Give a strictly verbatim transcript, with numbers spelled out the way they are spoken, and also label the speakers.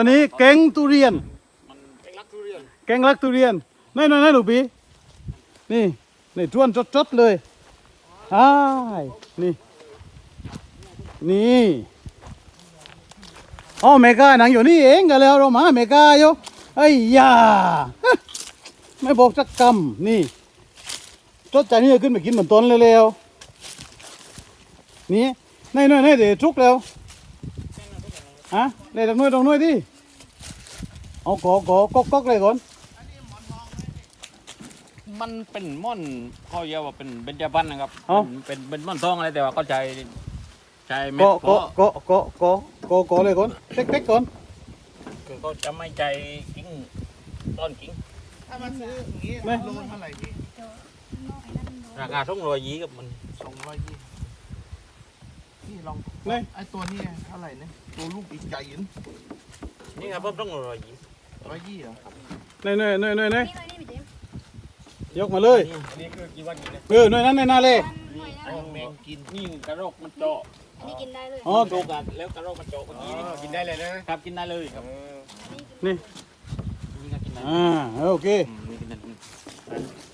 Speaker 1: อันนี้แกงทุเรียน
Speaker 2: มันแกงลักทุเรียน
Speaker 1: แกงรักทุเรียนนี่นี่นี่หนูปีนี่นี่จ้วนจดๆเลยอ้ายนี่นี่อ๋อเมกาหนังอยู่นี่เองกันแล้วเรามาเมกาอยู่ไอ้ยาไม่บอกสักคำนี่จดใจนี่จะขึ้นไปกินเหมือนต้นเร็วๆนี่นี่นี่นี่เดี๋ยวทุกแล้วฮะเดี๋ยวตรงนู้นตรงนู้นดิเอากอกอกอกอกเลยก่อน
Speaker 2: มันเป็นม่อนเขาเรียกว่าเป็นเบญจพรรณนะครับ
Speaker 1: เอ้า
Speaker 2: เป็นเป็นม่อนทองอะไรแต่ว่าเขาใช้ใช้เม็ด
Speaker 1: ก็
Speaker 2: เพ
Speaker 1: ก็
Speaker 2: ราะ
Speaker 1: ก็ก็ก็ก็ก็เลยก่อนเต็กๆก่อน
Speaker 2: คือเขาจะไม่ใจกิ้งต้นกิ้ง
Speaker 3: ถ้ามาซื้ออย่างนี้โลเท่าไหร่พี่
Speaker 2: ราคาสองร้อยยี่กับมัน
Speaker 3: สองร้อยยี่พี่ลอง
Speaker 1: นี่
Speaker 3: ไอ้ตัวนี้เท่าไหร่เนี่ยตัวลูกอีกใหญ่ยิน
Speaker 2: นี่ครับเพิ่มสองร้อยยี่
Speaker 3: ร้อยยี่เหรอ
Speaker 1: นี่นี่นี่นี่นี่
Speaker 4: นี่เลยนี่พี่เจมส์
Speaker 1: ยกมาเลย
Speaker 2: อันนี้คือกี่วันกินเลย
Speaker 1: เออหน่วยนั้นในนาเลย
Speaker 4: หน่วยนะ
Speaker 3: แมงกิน
Speaker 2: นี่กระรอกมันเจาะ
Speaker 4: อันนี้กินได้เลย
Speaker 1: อ๋อ
Speaker 2: โจกันแล้วกระรอกมันเจาะเมื่อกี้นี่กินได้เลยนะครับกินได้เลยครับ
Speaker 1: นี่
Speaker 2: นี่ก็กินได้
Speaker 1: อ่าโอเค
Speaker 2: อืมนี่กินได้